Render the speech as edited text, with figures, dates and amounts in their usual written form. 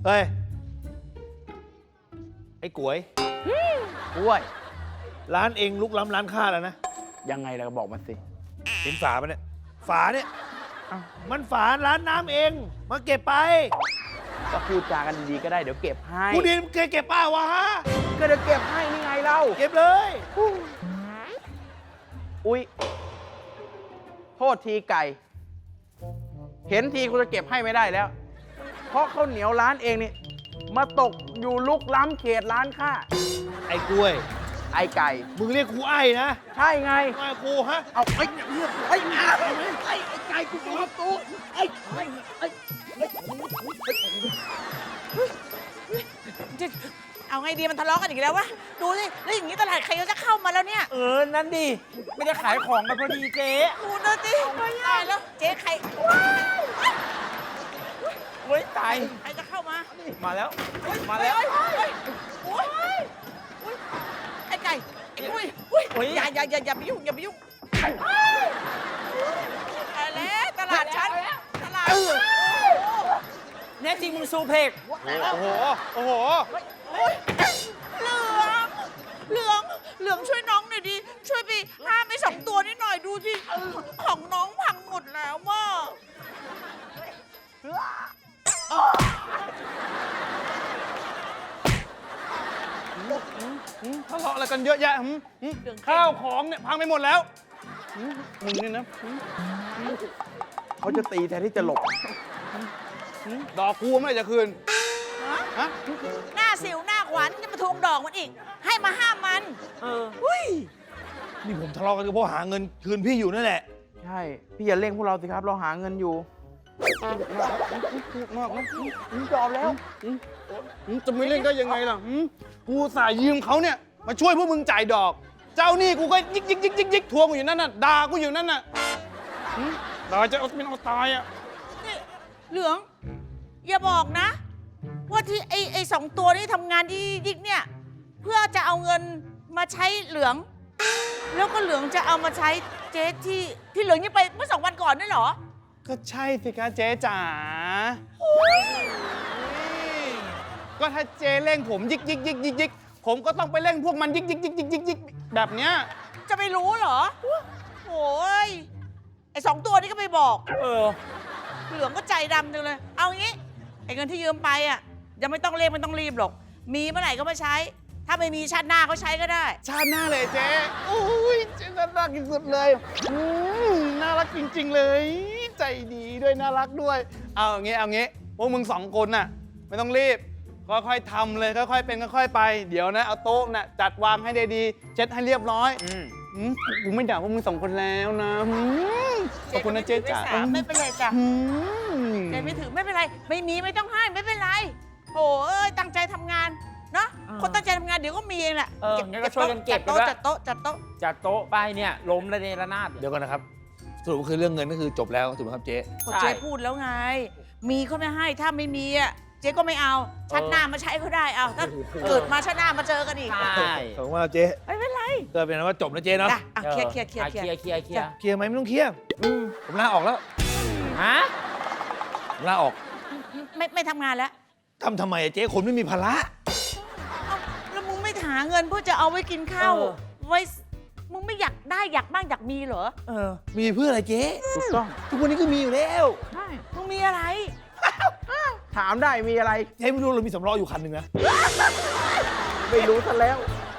เฮ้ย ไอ้ก๋วยกล้วยร้านเองลุกล้ำร้านข้าแล้วนะยังไงล่ะก็บอกมาสิเห็นฝาปะเนี่ย ฝาเนี่ยอ้าวมันฝาร้านน้ำเอง มาเก็บไปก็พูดจากันดีๆก็ได้เดี๋ยวเก็บให้กูดีเคยเก็บป้าวะฮะก็เดี๋ยวเก็บให้นี่ไงเราเก็บเลยอุ๊ยโทษทีไก่ เห็นทีกูจะเก็บให้ไม่ได้แล้ว เพราะข้าวเหนียวร้านเองนี่มาตกอยู่ลุกล้ำเขตร้านข้าไอ้กล้วยไอ้ไก่มึงเรียกกูไอ้นะใช่ไงไอ้กูฮะเอาไอ้เรียกไอ้ไก่กูบอกว่าตูไอ้เอาไงดีมันทะเลาะกันอีกแล้ววะดูสิแล้วอย่างนี้ตลาดใครก็จะเข้ามาแล้วเนี่ยนั่นดิ ไม่ได้ขายของกันพอดีเจ๊ดูนะสิตายแล้วเจ๊ใครเว้ยตายใครจะเข้ามามาแล้ว มาแล้วโอ้ยไอ้ไก่ไอ้กุ้ยอุ้ยอย่าไปยุ่งอย่าไปยุ่งตายแล้วตลาดฉันตลาดแน่จริงมึงซูเพกโอ้โห โอ้โหเหลืองช่วยน้องหน่อยดิช่วยไปห้ามไอ้สองตัวนี้หน่อยดูสิของน้องพังหมดแล้วว่ะทะเลาะอะไรกันเยอะแยะข้าวของเนี่ยพังไปหมดแล้วมึงเนี่ยนะเขาจะตีแทนที่จะหลบดอกกูเมื่อไหร่จะคืน ฮะหน้าสิวหน้าขวัญจะมาทวงดอกมันอีก ให้มาห้ามมันอุ้ยนี่ผมทะเลาะกันก็เพราะหาเงินคืนพี่อยู่นั่นแหละใช่ พี่อย่าเร่งพวกเราสิครับ เราหาเงินอยู่มากนะยอมแล้วจะไม่เล่นก็ยังไงล่ะกูสายยืมเขาเนี่ย มาช่วยพวกมึงจ่ายดอก เจ้านี่กูก็ยิกทวงอยู่นั่นน่ะด่ากูอยู่นั่นน่ะด่าจะเอาเป็นเอาตายอ่ะนี่เหลือง อย่าบอกนะ ว่าที่ไอ้สองตัวนี้ทำงานที่ยิกเนี่ย เพื่อจะเอาเงินมาใช้เหลือง แล้วก็เหลืองจะเอามาใช้เจ๊ที่เหลืองยังไปเมื่อ2 วันก่อนนั่นเหรอก็ใช่สิคะเจ๊จ๋าก็ถ้าเจ๊เร่งผมยิกผมก็ต้องไปเร่งพวกมันยิกแบบเนี้ยจะไปรู้เหรอโอ้ยไอ้สองตัวนี้ก็ไม่บอก เหลืองก็ใจดำจังเลย เอางี้ไอ้เงินที่ยืมไปอ่ะยังไม่ต้องเร่งไม่ต้องรีบหรอก มีเมื่อไหร่ก็มาใช้ ถ้าไม่มีชาติหน้าเขาใช้ก็ได้ชาติหน้าเลยเจ๊โอ้ยเจ๊น่ารักที่สุดเลยน่ารักจริงๆเลย ใจดีด้วยน่ารักด้วย เอาอย่างงี้พวกมึง2 คนน่ะไม่ต้องรีบค่อยๆทำเลยค่อยๆเป็นค่อยๆไปเดี๋ยวนะเอาโต๊ะน่ะจัดวางให้ดีๆเช็ดให้เรียบร้อยกูไม่ด่าพวกมึง2 คนแล้วนะขอบคุณนะเจ๊จ๋าไม่เป็นไรจ้ะเจ๊ไม่ถือไม่เป็นไร ไม่มีไม่ต้องให้ไม่เป็นไรโอ้ยตั้งใจทำงานเนาะคนตั้งใจทำงานเดี๋ยวก็มีเองแหละงั้นก็ช่วยกันเก็บจัดโต๊ะจัดโต๊ะจัดโต๊ะไปเนี่ยล้มระเนระนาดเดี๋ยวก่อนนะครับสรุปคือเรื่องเงินก็คือจบแล้วถูกไหมครับเจ๊ก็เจ๊พูดแล้วไง มีเขาไม่ให้ถ้าไม่มีอ่ะเจ๊ก็ไม่เอาชาติหน้ามาใช้ก็ได้เอาถ้าเกิดมาชาติหน้ามาเจอกันอีกใช่ขอบคุณมากเจ๊ไม่เป็นไรก็เป็นว่าจบแล้วเจ๊เนาะจ้ะเคลียร์เคลียร์ไหมไม่ต้องเคลียร์ผมลาออกแล้วฮะผมลาออกไม่ทำงานแล้วทำไมอะเจ๊คนไม่มีภาระแล้วมึงไม่หาเงินเพื่อจะเอาไว้กินข้าวไว้มึงไม่อยากได้อยากบ้างอยากมีเหรอมีเพื่ออะไรเจ๊ถูกต้องทุกวันนี้ก็มีอยู่แล้วมึงมีอะไรถามได้มีอะไรเจ๊ไม่รู้เรามีสำรองอยู่คันหนึ่งนะไม่รู้ซะแล้วโ